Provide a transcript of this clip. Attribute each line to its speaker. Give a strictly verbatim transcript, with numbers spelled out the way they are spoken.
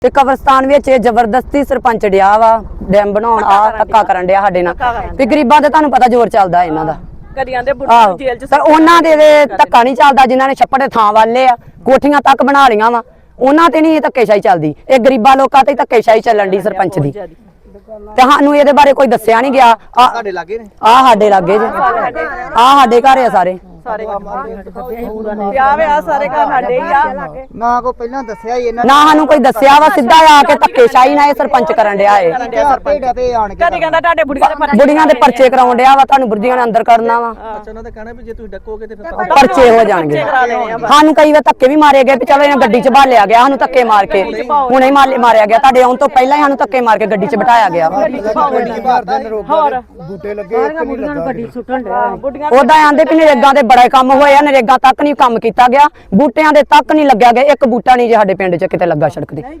Speaker 1: ਤੇ ਕਬਰਸਤਾਨ ਵਿੱਚ ਇਹ ਜ਼ਬਰਦਸਤੀ ਸਰਪੰਚ ਡਿਆ ਵਾ ਡੈਮ ਬਣਾਉਣ ਆ ਧੱਕਾ ਕਰਨ ਡਿਆ ਸਾਡੇ ਨਾਲ ਵੀ ਗਰੀਬਾਂ ਤੇ ਤੁਹਾਨੂੰ ਪਤਾ ਜ਼ੋਰ ਚੱਲਦਾ ਇਹਨਾਂ ਦਾ
Speaker 2: ਕਰੀਆਂ ਦੇ ਬੁੱਢੇ ਨੂੰ ਜੇਲ੍ਹ ਚ
Speaker 1: ਪਰ ਉਹਨਾਂ ਦੇ ਧੱਕਾ ਨਹੀਂ ਚੱਲਦਾ ਜਿਨ੍ਹਾਂ ਨੇ ਛੱਪੜ ਦੇ ਥਾਂ ਵਾਲੇ ਆ ਕੋਠੀਆਂ ਤੱਕ ਬਣਾ ਲੀਆਂ ਵਾ ਉਹਨਾਂ ਤੇ ਨਹੀਂ ਇਹ ਧੱਕੇਸ਼ਾਹੀ ਚੱਲਦੀ ਇਹ ਗਰੀਬਾਂ ਲੋਕਾਂ ਤੇ ਧੱਕੇਸ਼ਾਹੀ ਚੱਲਣ ਦੀ ਸਰਪੰਚ ਦੀ ਤੇ ਸਾਨੂੰ ਇਹਦੇ ਬਾਰੇ ਕੋਈ ਦੱਸਿਆ ਨਹੀਂ ਗਿਆ ਆ
Speaker 3: ਸਾਡੇ ਲਾਗੇ ਨੇ
Speaker 1: ਆ ਸਾਡੇ ਲਾਗੇ ਜੇ ਆ ਸਾਡੇ ਘਰ ਆ ਸਾਰੇ
Speaker 2: ਸਾਰੇ ਵਿਆਹ ਵਿਆਹ ਸਾਰੇ ਘਰ ਸਾਡੇ ਹੀ ਆ
Speaker 3: ਨਾ ਕੋ ਪਹਿਲਾਂ ਦੱਸਿਆ ਹੀ ਇਹਨਾਂ
Speaker 1: ਨਾ ਸਾਨੂੰ ਕੋਈ ਦੱਸਿਆ ਵਾ ਸਿੱਧਾ ਆ ਕੇ ਧੱਕੇਸ਼ਾਹੀ ਨਾਲ ਇਹ ਸਰਪੰਚ ਕਰਨ ਡਿਆ ਏ
Speaker 3: ਆਪੇ ਡਪੇ ਆਣ ਕੇ
Speaker 2: ਕਦੇ ਕਹਿੰਦਾ ਤੁਹਾਡੇ ਬੁੜੀਆਂ ਦੇ ਪਰਚੇ
Speaker 1: ਬੁੜੀਆਂ ਦੇ ਪਰਚੇ ਕਰਾਉਣ ਡਿਆ ਵਾ ਤੁਹਾਨੂੰ ਬੁਰਜੀਆਂ ਨੇ ਅੰਦਰ ਕਰਨਾ ਵਾ
Speaker 3: ਅੱਛਾ ਉਹਨਾਂ ਦਾ ਕਹਿਣਾ ਵੀ ਜੇ ਤੁਸੀਂ ਡੱਕੋਗੇ ਤੇ ਫਿਰ
Speaker 1: ਪਰਚੇ ਹੋ ਜਾਣਗੇ ਸਾਨੂੰ ਕਈ ਵਾਰ ਧੱਕੇ ਵੀ ਮਾਰੇ ਗਏ ਵੀ ਚਲੋ ਇਹਨਾਂ ਗੱਡੀ 'ਚ ਭਾਲਿਆ ਗਿਆ ਸਾਨੂੰ ਧੱਕੇ ਮਾਰ ਕੇ ਹੁਣੇ ਹੀ ਮਾਰੇ ਮਾਰਿਆ ਗਿਆ ਤੁਹਾਡੇ ਆਉਣ ਤੋਂ ਪਹਿਲਾਂ ਹੀ ਸਾਨੂੰ ਧੱਕੇ ਮਾਰ ਕੇ ਗੱਡੀ 'ਚ ਬਿਠਾਇਆ ਗਿਆ
Speaker 2: ਹੋਰ
Speaker 3: ਬੂਟੇ ਲੱਗੇ ਇੱਕ ਨਹੀਂ ਲੱਗਾ ਗੱਡੀ ਸੁੱਟਣ
Speaker 2: ਬੁੱਢੀਆਂ
Speaker 1: ਉਦਾਂ ਆਂਦੇ ਵੀ ਨਰੇਗਾ ਦੇ ਬੜੇ ਕੰਮ ਹੋਏ ਆ ਨਰੇਗਾ ਤੱਕ ਨਹੀਂ ਕੰਮ ਕੀਤਾ ਗਿਆ ਬੂਟਿਆਂ ਦੇ ਤੱਕ ਨਹੀਂ ਲੱਗਿਆ ਗਿਆ ਇੱਕ ਬੂਟਾ ਨਹੀਂ ਜੇ ਸਾਡੇ ਪਿੰਡ 'ਚ ਕਿਤੇ ਲੱਗਾ ਸੜਕ ਤੇ